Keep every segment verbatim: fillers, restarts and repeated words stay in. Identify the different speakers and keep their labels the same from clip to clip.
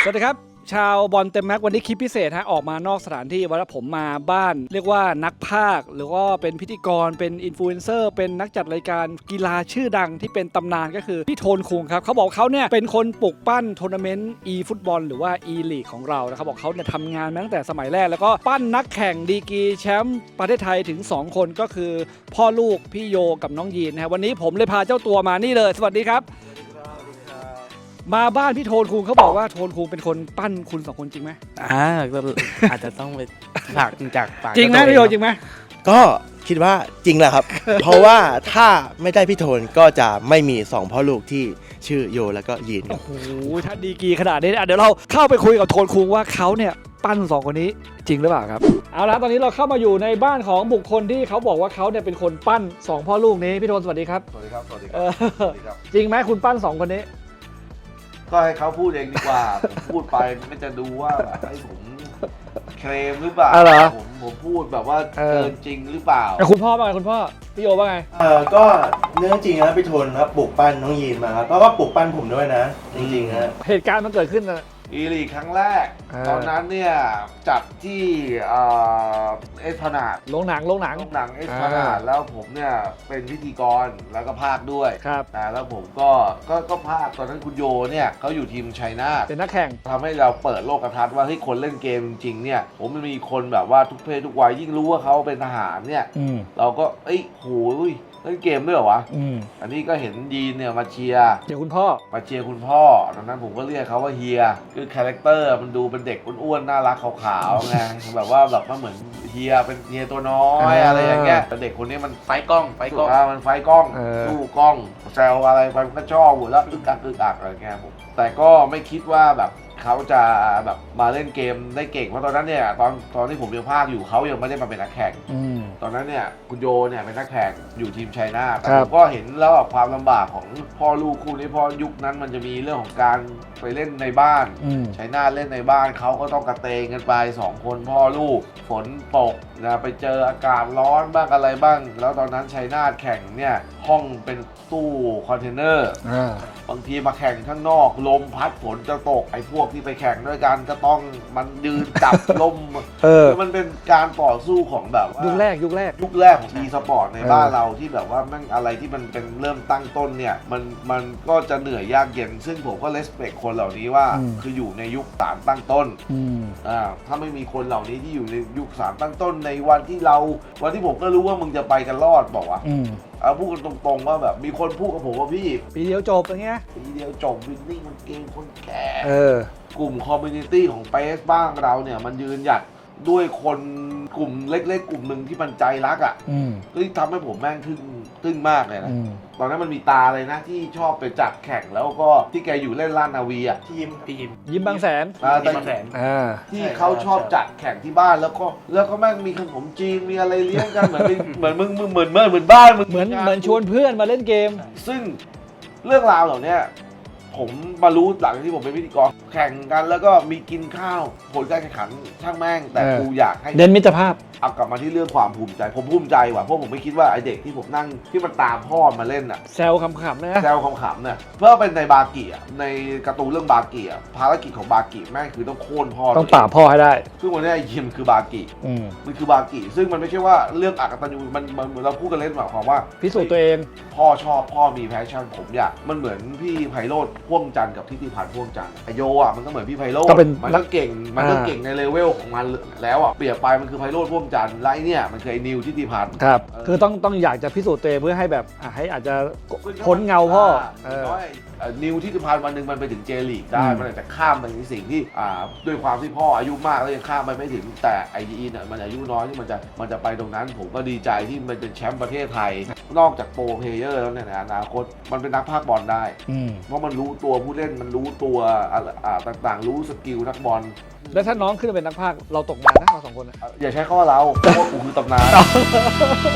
Speaker 1: สวัสดีครับชาวบอลเต็มแม็กวันนี้คลิปพิเศษฮะออกมานอกสถานที่วันนี้ผมมาบ้านเรียกว่านักพากย์หรือว่าเป็นพิธีกรเป็นอินฟลูเอนเซอร์เป็นนักจัดรายการกีฬาชื่อดังที่เป็นตำนานก็คือพี่โทนคุงครับเขาบอกเขาเนี่ยเป็นคนปลุกปั้นทัวร์นาเมนต์ e ฟุตบอลหรือว่า e ลีกของเรานะครับบอกเขาเนี่ยทำงานมาตั้งแต่สมัยแรกแล้วก็ปั้นนักแข่งดีกรีแชมป์ประเทศไทยถึงสองคนก็คือพ่อลูกพี่โยกับน้องยีนนะฮะวันนี้ผมเลยพาเจ้าตัวมานี่เลยสวัสดีครับมาบ้านพี่โทนคุงเขาบอกว่าโทนคุงเป็นคนปั้นคุณสองคนจริงไหม
Speaker 2: อ่าอาจจะต้องไปฝากจากปาก
Speaker 1: จริงไหมพี่โยจริงไหม
Speaker 3: ก็คิดว่าจริงแหละครับ เพราะว่าถ้าไม่ได้พี่โทนก็จะไม่มีสองพ่อลูกที่ชื่อโยแล้วก็ยีนครับ
Speaker 1: โอ้โหถ้าดีกรีขนาดนี้เดี๋ยวเราเข้าไปคุยกับโทนคุงว่าเขาเนี่ยปั้นสองคนนี้จริงหรือเปล่าครับเอาละตอนนี้เราเข้ามาอยู่ในบ้านของบุคคลที่เขาบอกว่าเขาเนี่ยเป็นคนปั้นสองพ่อลูกนี้พี่โทนสวัสดีครับ
Speaker 4: สวัสดีครับ สวัสดีค
Speaker 1: เอ
Speaker 4: รับ
Speaker 1: อ
Speaker 4: สวัสดีครับ
Speaker 1: จริงไหมคุณปั้นสองคนนี้
Speaker 4: ก็ให้เขาพูดเองดีกว่า ผมพูดไปไม่จะดูว่าแบบให้ผมเคลมหรือเปล่า
Speaker 1: อ๋อเหรอ
Speaker 4: ผมผมพูดแบบว่า
Speaker 1: เออ
Speaker 4: เกินจริงหรือเปล่า
Speaker 1: แต่คุณพ่อว่าไงคุณพ่อพี่โยว่าไง
Speaker 3: เออก็เรื่องจริงนะพี่โทนครับปลูกปั้นน้องยีนมาครับแล้วก็ปลูกปั้นผมด้วยนะ จริงๆนะ
Speaker 1: เหตุการณ์มันเกิดขึ้นนะ
Speaker 4: อีลีกครั้งแรก
Speaker 1: เออ
Speaker 4: ตอนนั้นเนี่ยจัดที่เอ่อเอสพนาด
Speaker 1: โรงหนังโรงหนัง
Speaker 4: โรงหนังเอสพนาดแล้วผมเนี่ยเป็นพิธีกรแล้วก็ภาคด้วย
Speaker 1: ครับ
Speaker 4: นะแล้วผมก็ก็ก็ภาคตอนนั้นคุณโยเนี่ยเขาอยู่ทีมชัยนาท
Speaker 1: เป็นนักแข่ง
Speaker 4: ทำให้เราเปิดโลกทัศน์ว่าเฮ้ยคนเล่นเกมจริงๆเนี่ยผมมันมีคนแบบว่าทุกเพศทุกวัยยิ่งรู้ว่าเขาเป็นทหารเนี่ย
Speaker 1: อืม
Speaker 4: เราก็เอ้ยโหยเล่นเกมด้วยเหรอวะ
Speaker 1: อืม
Speaker 4: อันนี้ก็เห็นยีนเนี่ยมาเชียร์
Speaker 1: เดี๋ยวคุณพ่อ
Speaker 4: มาเชียร์คุณพ่อตอนนั้นผมก็เรียกเขาว่าเฮียคือคาแรคเตอร์มันดูเป็นเด็กอ้วนๆน่ารักขาวๆไงแบบว่าแบบมันเหมือนเฮียเป็นเฮียตัวน้อยอะไรอย่างเงี้ยแต่เด็กคนนี้มันไฟกล้องไฟกล้องอ่ามันไฟกล้อง
Speaker 1: เออ
Speaker 4: สู้กล้องแซวอะไรไปมันก็ชอบหมดแล้วอึกอักอึกอักอะไรเงี้ยผมแต่ก็ไม่คิดว่าแบบเขาจะแบบมาเล่นเกมได้เก่งเพราะตอนนั้นเนี่ยตอนตอนที่ผมยังภาคอยู่เขายังไม่ได้มาเป็นนักแข่ง
Speaker 1: อืม
Speaker 4: ตอนนั้นเนี่ยคุณโยเนี่ยเป็นนักแข่งอยู่ทีมชัยนาทแต่
Speaker 1: ครั
Speaker 4: ผ
Speaker 1: บ
Speaker 4: มก็เห็นแล้วแบบความลำบากของพ่อลูกคู่นี้เพราะยุคนั้นมันจะมีเรื่องของการไปเล่นในบ้าน
Speaker 1: อืม
Speaker 4: ชัยนาทเล่นในบ้านเขาก็ต้องกระเตงกันไปสองคนพ่อลูกฝนตกนะไปเจออากาศร้อนบ้างอะไรบ้าง แล้วตอนนั้นชัยนาทแข่งเนี่ยห้องเป็นตู้คอนเทนเนอร์
Speaker 1: อ่า
Speaker 4: บางทีมาแข่งข้างนอกลมพัดฝนจะตกไอ้พวกที่ไปแข่งด้วยกันก็ต้องมันยืนจับ ลม
Speaker 1: เออ
Speaker 4: คือมันเป็นการต่อสู้ของแบบว่า
Speaker 1: ยุคแรกยุคแรก
Speaker 4: ยุคแรกของ e-sport ใน
Speaker 1: เออ
Speaker 4: บ้านเราที่แบบว่าแม่งอะไรที่มันเป็นเริ่มตั้งต้นเนี่ยมันมันก็จะเหนื่อยยากเย็น ซึ่งผมก็ respect คนเหล่านี้ว่า
Speaker 1: อืม
Speaker 4: คืออยู่ในยุคสารตั้งต้น
Speaker 1: อืม
Speaker 4: อ่าถ้าไม่มีคนเหล่านี้ที่อยู่ในยุคสารตั้งต้นในวันที่เราวันที่ผมก็รู้ว่ามึงจะไปกันรอดบอกว่า
Speaker 1: อืม
Speaker 4: เอาพูดกันตรงๆว่าแบบมีคนพูดกับผมว่าพี่
Speaker 1: ปีเดียวจบอย่างเงี้ย
Speaker 4: ทีเดียวจบวินนิ่งมันเกมคนแก่
Speaker 1: เออ
Speaker 4: กลุ่มคอมมูนิตี้ของเปซบ้างเราเนี่ยมันยืนหยัดด้วยคนกลุ่มเล็กๆ กลุ่มหนึ่งที่มันใจรักอ่ะ
Speaker 1: อืม
Speaker 4: เฮ้ยทำให้ผมแม่งทึ่งทึ่งมากเลยนะ
Speaker 1: อืม
Speaker 4: ตอนนั้นมันมีตาเลยนะที่ชอบไปจัดแข่งแล้วก็ที่แกอยู่เล่นล้านนาวีอ่ะ
Speaker 3: ทีม
Speaker 2: พี่ยิม
Speaker 1: ยิ้มบางแสน
Speaker 4: อ่า
Speaker 2: พี่บางแสน
Speaker 1: อ่า
Speaker 4: ที่เขาชอบจัดแข่งที่บ้านแล้วก็แล้วก็แม่งมีขนมจีนมีอะไรเลี้ยงกันเหมือนเป็นเหมือนมึงมึงเหมือนเหมือนเหมือนบ้านมึง
Speaker 1: เหมือนเหมือนชวนเพื่อนมาเล่นเกม
Speaker 4: ซึ่งเรื่องราวเหล่านี้ผมมารู้หลังที่ผมเป็นพิธีกรแข่งกันแล้วก็มีกินข้าวผลการแข่งขันช่างแม่งแต่
Speaker 1: เออ
Speaker 4: กูอยากให้
Speaker 1: เน้นมิตรภาพ
Speaker 4: เอากลับมาที่เรื่องความภูมิใจผมภูมิใจว่ะเพราะผมไม่คิดว่าไอเด็กที่ผมนั่งที่มันตามพ่อมาเล่นอ่ะ
Speaker 1: แซวขำๆนะ
Speaker 4: แซวขำๆเนี่ยเพื่อเป็นในบากิอ่ะในการ์ตูนเรื่องบากิอ่ะภารกิจของบากิแม่งคือต้องโค่นพ่อ
Speaker 1: ต้องป่าบพ่อให้ได้
Speaker 4: ซึ่งวันนี้ไอยิมคือบากิ
Speaker 1: อืม
Speaker 4: มันคือบากิซึ่งมันไม่ใช่ว่าเรื่องอักตันยูมันมันเราพูดกันเล่นหมายความว่า
Speaker 1: พิสูจน์ตัวเอง
Speaker 4: พ่อชอบพ่อมีแพชชั่นผมอยากมันเหมือนพี่ไพโรธพ่วงจันทร์กับทิติพันธ์พ่วงจันทร์ไอโยอ่ะมันก็เหมือนพี่ไพโรธ
Speaker 1: ก็เป็น
Speaker 4: มันก็เก่งมันก็เก่งในเลเวลของมันแล้วอ่ะเปรียบไปมันคือไพโรธพ่วงจันทร์ไลเนี่ยมันคือไอนิวทิติพันธ์
Speaker 1: ครับ
Speaker 4: เออ
Speaker 1: คือต้องต้องอยากจะพิสูจน์ตัวเองเพื่อให้แบบอ่ะให้อาจจะพ้นเงาพ่อเออ
Speaker 4: น้อยเอ่อนิวทิติพันธ์วันหนึ่งมันไปถึงเจลีกได้
Speaker 1: อืม
Speaker 4: มันอาจจะข้ามไปในสิ่งที่อ่าด้วยความที่พ่ออายุมากแล้วยังข้ามไปไม่ถึงแต่ไอดีเนี่ยมันอายุน้อยที่มันจะมันจะไปตรงนั้น ผมก็ดีใจที่มันเป็นแชมป์ประเทศไทย นอกจากโปรเพลเยอร์แล้วเนี่ยในอนาคตมันเป็นนักพากย์บอลได้
Speaker 1: อืม
Speaker 4: เพราะมันรู้ตัวผู้เล่นมันรู้ตัวอะไรอ่าต่างๆ รู้สกิลนักบอล
Speaker 1: แล้วถ้าน้องขึ้นมาเป็นนักพากย์เราตกงานนะเราสองคนอะ
Speaker 4: อ่ะอย่าใช้คำว่าเราเพราะว่ากูคือตำนาน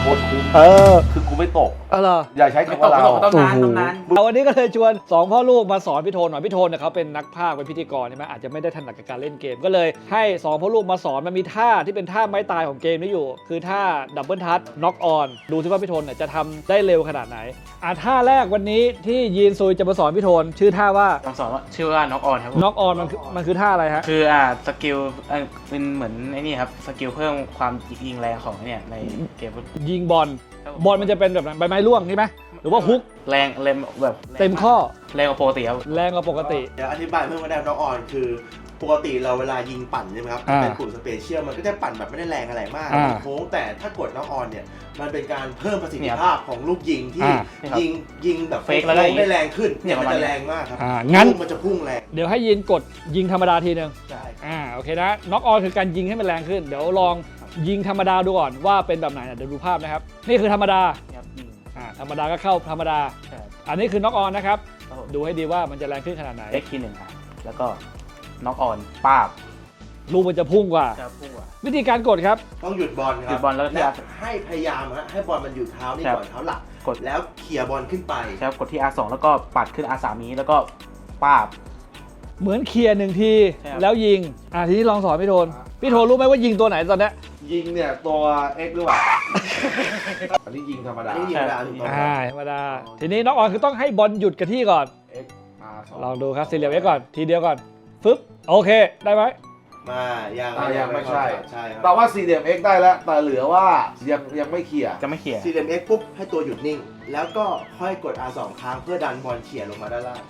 Speaker 4: โคตรคุ้ม
Speaker 1: เออ
Speaker 4: คือกูไม่ตก
Speaker 1: เออเหรอ
Speaker 4: อย่าใช้
Speaker 2: ไม่
Speaker 4: คำ
Speaker 2: ต
Speaker 4: ว่าก เรา
Speaker 2: ไม่ตกต้องนานต้องนาน
Speaker 1: เอาวันนี้ก็เลยชวนสองพ่อลูกมาสอนพี่โทนหน่อยพี่โทนเนี่ยเขาเป็นนักพากย์เป็นพิธีกรใช่ไหมอาจจะไม่ได้ถนัดกับการเล่นเกมก็เลยให้สองพ่อลูกมาสอนมันมีท่าที่เป็นท่าไม้ตายของเกมนี้อยู่ คือท่าดับเบิลทัชน็อกออนดูซิว่าพี่โทนเนี่ยจะทำได้เร็วขนาดไหนอ่ะท่าแรกวันนี้ที่ยีนซุยจะมาสอนพี่โทนชื่อท่าว่า
Speaker 2: ต้องสอนว่าชื่อว่าน็อกออนครับผม
Speaker 1: น็อกออนมันคือมันคือท่าอะไรฮะ
Speaker 2: คืออ่าสกิลอ่าเป็นเหมือนไอ้นี่ครับสกิลเพิ่มความยิงแรงของเนี่ยในเกมฟุต
Speaker 1: ยิงบอลบอลมันจะเป็นแบบนั้นใบไม้ร่วงใช่ไหมหรือว่าฮุก
Speaker 2: แรงแรงแบบ
Speaker 1: เต็มข้อ
Speaker 2: แรงกว่าปกติครับ
Speaker 1: แรงกว่าปกติ
Speaker 3: เดี๋ยวอธิบายเพิ่มว่าได้น็อกออนคือปกติเราเวลายิงปั่นใช่ไหมครับ
Speaker 1: อ่า
Speaker 3: เป็นกลุ่มสเปเชียลมันก็จะปั่นแบบไม่ได้แรงอะไรมาก
Speaker 1: อ่า
Speaker 3: โค้งแต่ถ้ากดน็อกออนเนี่ยมันเป็นการเพิ่มประสิทธิภาพของลูกยิงที่
Speaker 1: อ่า
Speaker 3: ยิงยิงแบบ
Speaker 2: เฟกแล้วก็
Speaker 3: โค้งได้แรงขึ้น
Speaker 2: เนี่ย
Speaker 3: มัน
Speaker 2: ประมาณ
Speaker 3: จะ
Speaker 2: นี้
Speaker 3: แรงมากครับ
Speaker 1: อ่างั้น
Speaker 3: ลูกมันจะพุ่งแรง
Speaker 1: เดี๋ยวให้ยินกดยิงธรรมดาทีนึง
Speaker 3: ใช่ครับ
Speaker 1: อ่าโอเคนะน็อกออนคือการยิงให้มันแรงขึ้น เดี๋ยวลองยิงธรรมดาดูก่อนว่าเป็นแบบไหนอ่ะเดี๋ยวดูภาพนะครับ นี่คือธรรมดา
Speaker 2: เนี่ยครับยิง
Speaker 1: อ่าธรรมดาก็เข้าธรรมดา
Speaker 2: ใช่ครับ
Speaker 1: อันนี้คือน็อกออนนะครับ
Speaker 2: ครับผม
Speaker 1: ดูให้ดีว่ามันจะแรงขึ้นขนาดไหน
Speaker 2: เอ็กซ์ทีหนึ่งครับแล้วก็น็อกออนป้าบ
Speaker 1: ลูกมันจะพุ่งกว่า
Speaker 2: จะพุ่งว่ะ
Speaker 1: วิธีการกดครับ
Speaker 3: ต้องหยุดบอลค
Speaker 2: หยุ
Speaker 3: รับ
Speaker 2: ดบอลแล้วก็
Speaker 3: และให้พยายามฮะให้บอลมันอยู่เท้านี่
Speaker 2: ครับ
Speaker 3: ก่อนเท้าหลัก
Speaker 2: กด
Speaker 3: แล้วเขี่ยบอลขึ้นไป
Speaker 2: ใช่ครับกดที่ อาร์ สอง แล้วก็ปัดขึ้น อาร์ สาม นี้แล้วก็ป้าบ
Speaker 1: เหมือนเคลียร์หนึ่งที
Speaker 2: ใช่ครับ
Speaker 1: แล้วยิงอ่าทีนี้ลองสอนพี่โทนพี่โทนรู้ไหมว่ายิงตัวไหนตอนเนี้ย
Speaker 4: ยิงเนี่ยตัว X หรือเปล่า อันนี้ยิงธรรมดา
Speaker 3: อันนี้ยิงธรรมดาถูกต้องค
Speaker 1: อ่า
Speaker 3: รับ
Speaker 1: ธรรมดาทีนี้น็อกออนคือต้องให้บอลหยุดกับที่ก่อน
Speaker 4: X R สอง
Speaker 1: ลองดูครับสี่เหลี่ยมไว้ก่อนทีเดียวก่อนฟึบโอเคได้ไหม
Speaker 3: มายัง
Speaker 4: อ่ายังไม่ใช่
Speaker 3: ใช่ค
Speaker 4: แต่
Speaker 3: รับ
Speaker 4: ว่าสี่เหลี่ยม X ได้แล้ว แต่เหลือว่ายังยังไม่เคลียร์
Speaker 2: จะไม่เขี่ย
Speaker 3: สี่เหลี่ยม X ปุ๊บให้ตัวหยุดนิ่ง แล้วก็ค่อยกด อาร์ สอง ครั้งเพื่อดันบอลเขี่ยลงมาด้านล่าง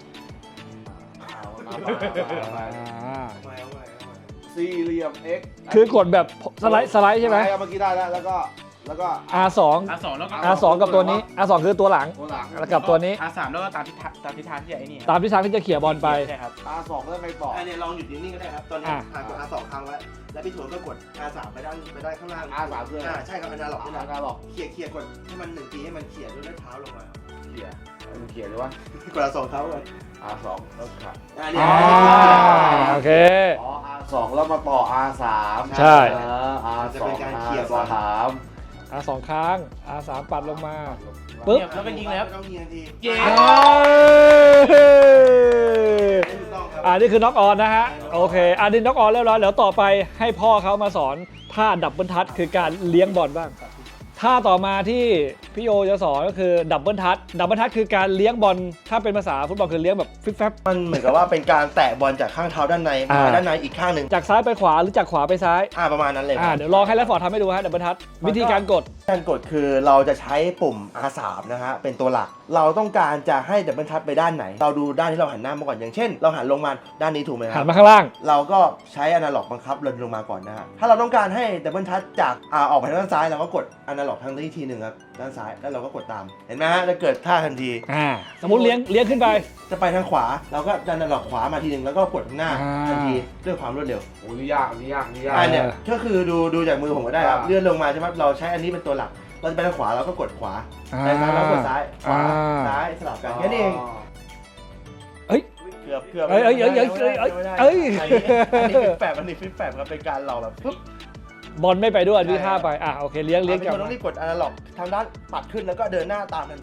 Speaker 1: อ่า
Speaker 3: เอาไว้เอาไว้เอาไว้
Speaker 4: สี่เหลี่ยม X
Speaker 1: คือกดแบบสไลด์สไลด์ใช่ไหม
Speaker 4: เมื่อกี้ได้แล้ว แล้วก็แล้วก็
Speaker 1: อาร์ สอง
Speaker 2: อาร์ สอง แล้วก็
Speaker 1: อาร์ สอง กับตัวนี้ อาร์ สอง คือตัวหลัง
Speaker 4: ตัวหลัง
Speaker 1: แล้วกับตัวนี้
Speaker 2: อาร์ สาม แล้วก็ตามทิศทางตามทิศทางที่ไอ้นี่ครับ
Speaker 1: ตามทิศทางที่จะเขี่ยบอลไป
Speaker 2: ใช่ครับ
Speaker 4: R สองแล้วไงต่อ
Speaker 3: อันนี้ลองหยุดนิ่งๆก็ได้ครับ ตอนนี้
Speaker 1: อ่ะ
Speaker 3: อ่ะกด อาร์ สอง ครั้งไว้ แล้วพี่โถนก็กด อาร์ สาม ไปด้านไปด้านข้างล่าง
Speaker 4: อาร์ สามคืออะไร
Speaker 3: อ่าใช่ครับอนาล็อกนี่แหละ
Speaker 4: อาร์หรอก
Speaker 3: เขี่ยเขี่ยกดให้มันหนึ่งทีให้มันเขี่ยด้วยเท้าลงมา
Speaker 4: เคลียร์มันเคลียร์เลยว่า
Speaker 3: กด อาร์ สอง เท้าไป
Speaker 4: R สองแล้วขาด
Speaker 3: อ่าเนี่ย
Speaker 1: อ่าโอเค
Speaker 4: อ๋อ R สองแล้วมาต่อ R สาม
Speaker 1: ใช่
Speaker 4: เออ R
Speaker 3: จะ
Speaker 4: สอ
Speaker 3: เป็น
Speaker 4: ง
Speaker 3: การเขี่ย
Speaker 4: R
Speaker 3: บอล
Speaker 4: สาม
Speaker 1: อาร์ สอง ครั้ง อาร์ สาม ปัดลงมา ปึ๊บ
Speaker 2: เนี่ยแล้วก็ยิงเลยครับ
Speaker 3: ไม่ต้องยิงทันที
Speaker 2: เย้
Speaker 1: เอ้ย
Speaker 3: ถูกต้องครับ
Speaker 1: อ่านี่คือน็อกออนนะฮะ โอเคอันนี้น็อกออนเรียบร้อยแล้วต่อไปให้พ่อเขามาสอนท่าดับเบิลทัชคือการเลี้ยงบอลบ้างท่าต่อมาที่พี่โอจะสอนก็คือดับเบิลทัชดับเบิลทัชคือการเลี้ยงบอลถ้าเป็นภาษาฟุตบอลคือเลี้ยงแบบฟิบแฟบ
Speaker 3: มันเหมือนกับว่าเป็นการแตะบอลจากข้างเท้าด้านในมา
Speaker 1: อ่า
Speaker 3: ด้านในอีกข้างหนึ่ง
Speaker 1: จากซ้ายไปขวาหรือจากขวาไปซ้าย
Speaker 3: อ่าประมาณนั้นเลย
Speaker 1: อ่าเดี๋ยวลองให้แรดฟอร์ดทำให้ดูฮะดับเบิลทัชวิธีการกด
Speaker 3: การกดคือเราจะใช้ปุ่ม อาร์ สาม นะฮะเป็นตัวหลัก เราต้องการจะให้ดับเบิลทัชไปด้านไหน เราดูด้านที่เราหันหน้ามาก่อนอย่างเช่น เราหันลงมาด้านนี้ถูกไหมค
Speaker 1: หั
Speaker 3: รั
Speaker 1: น
Speaker 3: บ
Speaker 1: มาข้างล่าง
Speaker 3: เราก็ใช้อนาล็อกบังคับเดินลงมาก่อนนะฮะถ้าเราต้องการให้ดับเบิลทัชจากอ่าออกไปทางด้านซ้ายเราก็กดอนาล็อกทางนี้ทีหนึ่งครับด้านซ้ายแล้วเราก็กดตามเห็นไหมฮะจะเกิดท่าทันที
Speaker 1: อ่าสมมติเลี้ยงเลี้ยงขึ้นไป
Speaker 3: จะไปทางขวาเราก็ดันอนาล็อกขวามาทีหนึ่งแล้วก็กดข้างหน้า
Speaker 1: อ่า
Speaker 3: ทันทีด้วยความรวดเร็ว
Speaker 4: โอ้นี่ยากอันนี่ยากอันนี่ยาก
Speaker 3: อ่าเนี่ยก็คือดูดูจากมือผมก็ได้ครับ
Speaker 4: อ่า
Speaker 3: เลื่อนลงมาใช่ไหมเราใช้อันนี้เป็นตัวหลัก เราจะไปทางขวาเราก็กดขวา
Speaker 1: อ่า
Speaker 3: ไปซ้ายเรากดซ้ายขวา
Speaker 1: อ่า
Speaker 3: ซ้ายสลับกันแค่นี้เอง
Speaker 1: เฮ้ย
Speaker 3: เกือบเกือบ
Speaker 1: เอ้ยเอ้ยเอ้ยเอ้ยเอ้ยเอ้ย
Speaker 3: ไม่ได้
Speaker 1: เอ้ย
Speaker 3: อันนี้อันนี้ฟิปแปบอันนี้ฟิปแปบครับเป็นการเราแบบปึ๊บบ
Speaker 1: อลไม่ไปด้วยวิท่าไปอ่ะโอเคเลี้ยงเลี้ยง
Speaker 3: เป็น
Speaker 1: กลับ
Speaker 3: คนต้องรีบกดอนาล็อกทางด้านปัดขึ้นแล้วก็เดินหน้าตามทันที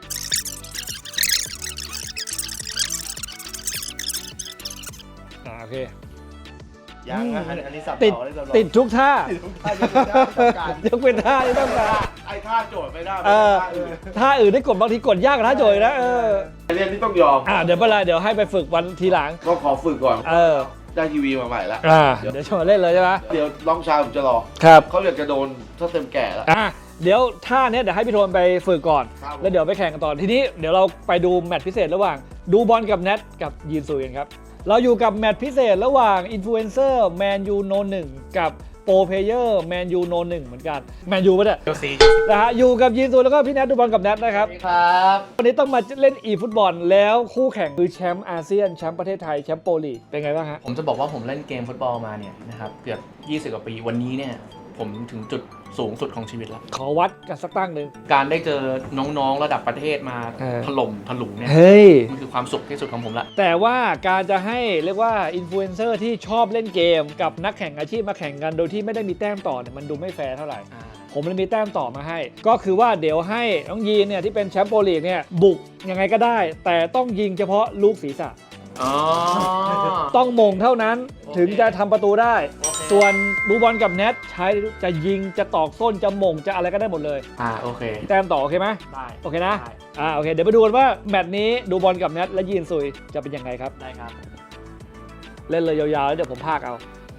Speaker 1: อ่าโอเค
Speaker 3: ยังนะอันอันนี้สับ
Speaker 1: ติด
Speaker 3: ต่อเลยสับต่อ
Speaker 1: ติดทุกท่า
Speaker 3: ติดทุกท่ายกเว้นท่าที่ต้องการ
Speaker 1: ยกเป็นท่าที่ต้องการ
Speaker 3: ไอ้ท่าโจทย์ไม่ได้
Speaker 1: เออ
Speaker 3: ท่าอื่น
Speaker 1: ท่าอื่นได้กดบางทีกดยากกว่าท่าโจยนะเออ
Speaker 4: เรียนที่ต้องยอม
Speaker 1: อ่าเดี๋ยวเวลาเดี๋ยวให้ไปฝึกวันทีหลัง
Speaker 4: ก็ขอฝึกก่อน
Speaker 1: เออ
Speaker 4: ได้ทีวีมาใหม่แล้ว
Speaker 1: อ่าเดี๋ยวชวนเล่นเลยใช่ไหม
Speaker 4: เดี๋ยวน้องชายผมจะรอ
Speaker 1: ครับ
Speaker 4: เขาอยากจะโดนถ้าเต็มแก่แล้ว
Speaker 1: อ่าเดี๋ยวท่าเนี้ยเดี๋ยวให้พี่โทนไปฝึกก่อน
Speaker 4: ครับ
Speaker 1: แล้วเดี๋ยวไปแข่งกันต่อทีนี้เดี๋ยวเราไปดูแมตช์พิเศษระหว่างดูบอลกับแนทกับยีนซูกันครับเราอยู่กับแมตช์พิเศษระหว่างอินฟลูเอนเซอร์แมนยูโนหนึ่งกับโปรเพเยอร์แมนยูโนหนึ่งเหมือนกันแมนยูปะเนี่ย
Speaker 2: เชลซี
Speaker 1: นะฮะอยู่กับยีนซูแล้วก็พี่แนทดูบอลกับแนทนะครับ
Speaker 2: ครับ
Speaker 1: วันนี้ต้องมาเล่นอีฟุตบอลแล้วคู่แข่งคือแชมป์อาเซียนแชมป์ประเทศไทยแชมป์โปรลีกเป็นไงบ้างฮะ
Speaker 5: ผมจะบอกว่าผมเล่นเกมฟุตบอลมาเนี่ยนะครับเกือบยี่สิบกว่าปีวันนี้เนี่ยผมถึงจุดสูงสุดของชีวิตแล้ว
Speaker 1: ขอวัดกันสักตั้งหนึ่ง
Speaker 5: การได้เจอน้องๆระดับประเทศมา
Speaker 1: เออ
Speaker 5: ถล่มถลุงเนี่ย
Speaker 1: เฮ้ย
Speaker 5: มันคือความสุขที่สุดของผมละ
Speaker 1: แต่ว่าการจะให้เรียกว่าอินฟลูเอนเซอร์ที่ชอบเล่นเกมกับนักแข่งอาชีพมาแข่งกันโดยที่ไม่ได้มีแต้มต่อเนี่ยมันดูไม่แฟร์เท่าไหร่
Speaker 5: อ่า
Speaker 1: ผมเลยมีแต้มต่อมาให้ ก็คือว่าเดี๋ยวให้น้องยีนเนี่ยที่เป็นแชมป์โปรลีกเนี่ยบุกยังไงก็ได้ แต่ต้องยิงเฉพาะลูกศีรษะ
Speaker 5: อ๋อ
Speaker 1: ต้องมงเท่านั้น
Speaker 5: โอเค
Speaker 1: ถึงจะทำประตูได้
Speaker 5: โอเค
Speaker 1: ส่วนดูบอลกับเน็ตใช้จะยิงจะตอกส้นจะมงจะอะไรก็ได้หมดเลย
Speaker 5: อ่าโอเค
Speaker 1: แต้มต่อโอเคไหม
Speaker 5: ได้
Speaker 1: โอเคนะ
Speaker 5: ได้
Speaker 1: อ่าโอเคเดี๋ยวไปดูกันว่าแมตช์นี้ดูบอลกับเน็ตและยีนซุยจะเป็นยังไงครับ
Speaker 5: ได้ครับ
Speaker 1: เล่นเลยยาวๆแล้วเดี๋ยวผมพากเอา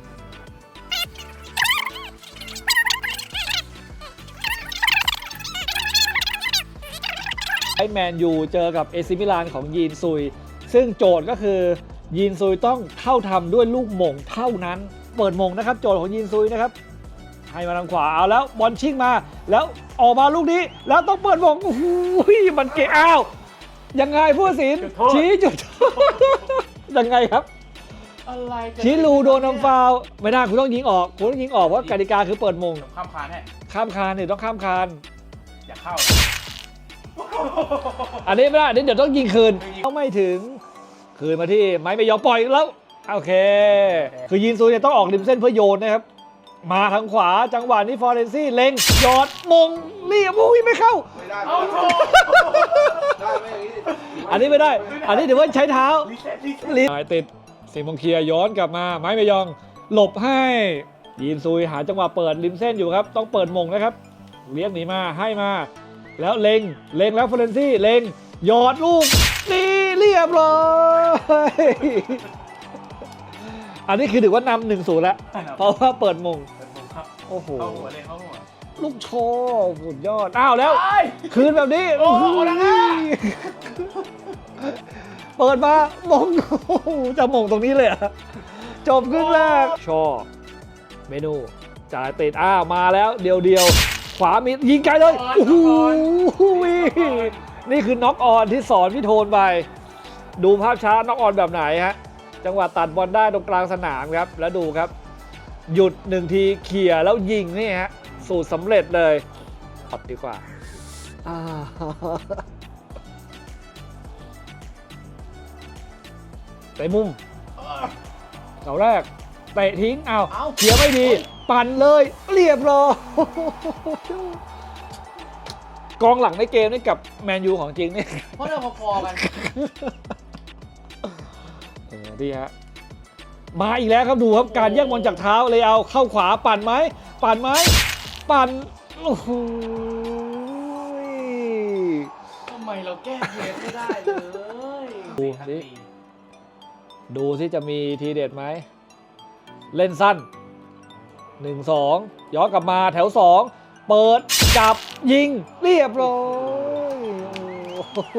Speaker 1: ไอแมนยูเจอกับเอซิมิลานของยีนซุยซึ่งโจทย์ก็คือยีนซุยต้องเข้าทำด้วยลูกหม่งเท่านั้น เปิดหม่งนะครับโจทย์ของยีนซุยนะครับให้มาทางขวาเอาแล้วบอลชิ่งมาแล้วออกมาลูกนี้แล้วต้องเปิดหม่งโอ้โหมันเกะอ้าวยังไงผู้ตัดสิน
Speaker 5: จุดโทษ
Speaker 1: ชี้จุดโทษ ยังไงครับ
Speaker 5: อะไรกัน
Speaker 1: ชี้ลูโดนทำฟาวล์ไม่ได้คุณต้องยิงออกคุณต้องยิงออกเพราะกติกาคือเปิดมง
Speaker 5: เดี๋ยวข้ามคานให้
Speaker 1: ข้ามคานเนี่ยต้องข้ามคาน
Speaker 5: อย่าเข้า
Speaker 1: อันนี้ไม่ได้อันนี้เดี๋ยวต้องยิงคืนต้องไม่ถึงคืนมาที่ไม้ไม่ยอมปล่อยแล้วโอเค คือยินซูเนี่ยต้องออกริมเส้นเพื่อโยนนะครับมาทางขวาจังหวะนี้ฟอร์เรนซี่เล็งหยอดมงเรียบโอ้ยไม่เข้า
Speaker 4: ไม่ได้
Speaker 5: เอาโถ
Speaker 4: ได้ไม่อย่างนี้
Speaker 1: อันนี้ไม่ได้ อันนี้ถือว่าใช้เท้า
Speaker 5: รีเซ็ตรีเซ็ต
Speaker 1: ลิสติดสิมงเคลียร์ย้อนกลับมาไม้ไม่ยองหลบให้ยีนซุยหาจังหวะเปิดริมเส้นอยู่ครับต้องเปิดมงนะครับเลี้ยงหนีมาให้มาแล้วเล็งเล็งแล้วฟอร์เรนซี่เล็งหยอดลูกนี่เรียบร้อยอันนี้คือถือว่านำหนึ่งศูนย์แล้วเพราะว่าเปิดมง
Speaker 5: ครับ
Speaker 1: โอ้โห
Speaker 5: เข้าหัวเลยเข้าหัว
Speaker 1: ลูกโชว์สุดยอดอ้าวแล้วคืนแบบนี้
Speaker 5: โอ้โหแล้วนะ
Speaker 1: เปิดมามงโอ้โหจะมงตรงนี้เลยเหรอะจบครึ่งแรกชอเมนูจ่ายติดอ้าวมาแล้วเดียวเดียวๆขวามียิงไกลเลยโอ้โหนี่คือน็อกออนที่สอนพี่โทนไป ดูภาพช้าน็อกออนแบบไหนฮะจังหวะตัดบอลได้ตรงกลางสนามครับแล้วดูครับ หยุดหนึ่งทีเขี่ยแล้วยิงนี่ฮะสูตรสำเร็จเลยตัดดีกว่าอ่าเตะมุมเสาแรกเตะทิ้งเอา
Speaker 5: เอ้า
Speaker 1: เขี่ยไม่ดี ปั่นเลยเรียบร้อยกองหลังในเกมนี่กับแมนยูของจริงนี่
Speaker 5: เพราะเราพอๆกัน
Speaker 1: เออดีฮะมาอีกแล้วครับดูครับการแย่งบอลจากเท้าเลยเอาเข้าขวาปั่นไหมปั่นไหมปั่นโอ้โห
Speaker 5: ทำไมเราแก้เกมไม่ได้เลย
Speaker 1: ดูสิดูสิจะมีทีเด็ดไหมเล่นสั้นหนึ่งสองย้อนกลับมาแถวสองเปิดจับยิงเรียบร้อยโอ้โห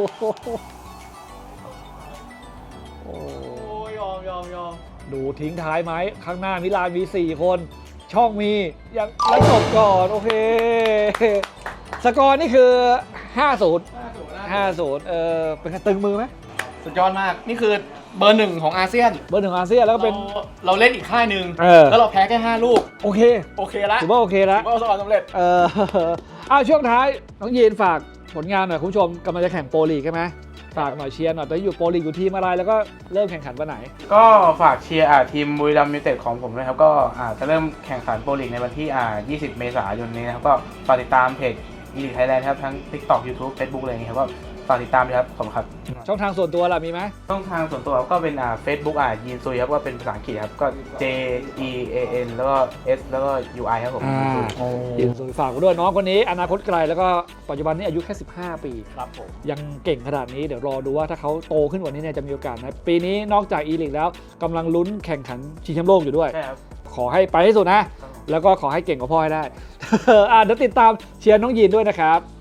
Speaker 1: โอ้
Speaker 5: โอ้ยยอมยอมยอม
Speaker 1: ดูทิ้งท้ายไหมข้างหน้ามิลานมี สี่ คน ช่องมียังแล้วจบก่อน โอเค สกอร์นี่คือ ห้าศูนย์ ห้าศูนย์เออเป็นไงตึงมือไหม
Speaker 5: สุดยอดมาก นี่คือเบอร์หนึ่งของอาเซียน
Speaker 1: เบอร์หนึ่งอาเซียนแล้วก็เป็น
Speaker 5: ราเราเล่นอีกค่ายหนึ่ง
Speaker 1: เออ
Speaker 5: แล้วเราแพ้แค่ห้าลูก
Speaker 1: โอเค
Speaker 5: โอเคละ
Speaker 1: ถือว่าโอเคแล้ว
Speaker 5: ถือว่าประสบความสำเร็จ
Speaker 1: เออ อ้าวช่วงท้าย น้องยีนฝากผลงานหน่อยคุณผู้ชมกำลังจะแข่งโปรลีกใช่ไหมฝากหน่อยเชียร์หน่อยตอนนี้อยู่โปรลีกอยู่ทีมอะไรแล้วก็เริ่มแข่งขันวันไหน
Speaker 2: ก็ฝากเชียร์อ่าทีมบุรีรัมย์ยูไนเต็ดของผมนะครับก็อ่าจะเริ่มแข่งขันโปรลีกในวันที่อ่ายี่สิบเมษายนนี้นะครับก็ฝากติดตามเพจอีลิทไทยแลนด์ครับทั้ง TikTok YouTube Facebook อะไรอย่างเงี้ยครับก็ฝากติดตามด้วยครับขอบคุณครับ
Speaker 1: ช่องทางส่วนตัวล่ะมีไหม
Speaker 2: ช่องทางส่วนตัวก็เป็นอ่า Facebook อ่ายีนซุยครับก็เป็นภาษาอังกฤษครับก็ J E A N แล้วก็ S แล้วก็ U I ครับผม
Speaker 1: อ่า ยินสุยฝากไว้ด้วยน้องคนนี้อนาคตไกลแล้วก็ปัจจุบันนี้อายุแค่สิบห้าปี
Speaker 5: ครับผม
Speaker 1: ยังเก่งขนาดนี้เดี๋ยวรอดูว่าถ้าเขาโตขึ้นกว่านี้เนี่ยจะมีโอกาสนะปีนี้นอกจากอีลิกแล้วกำลังลุ้นแข่งขันชิงแชมป์โลกอยู่ด้วย
Speaker 2: ใช่ครับ
Speaker 1: ขอให้ไปให้สุดนะ แล้วก็ขอให้เก่งกว่าพ่อให้ได้ อ่าเดี๋ยวติดตามเชียร์น้องยีนด้วยนะครับ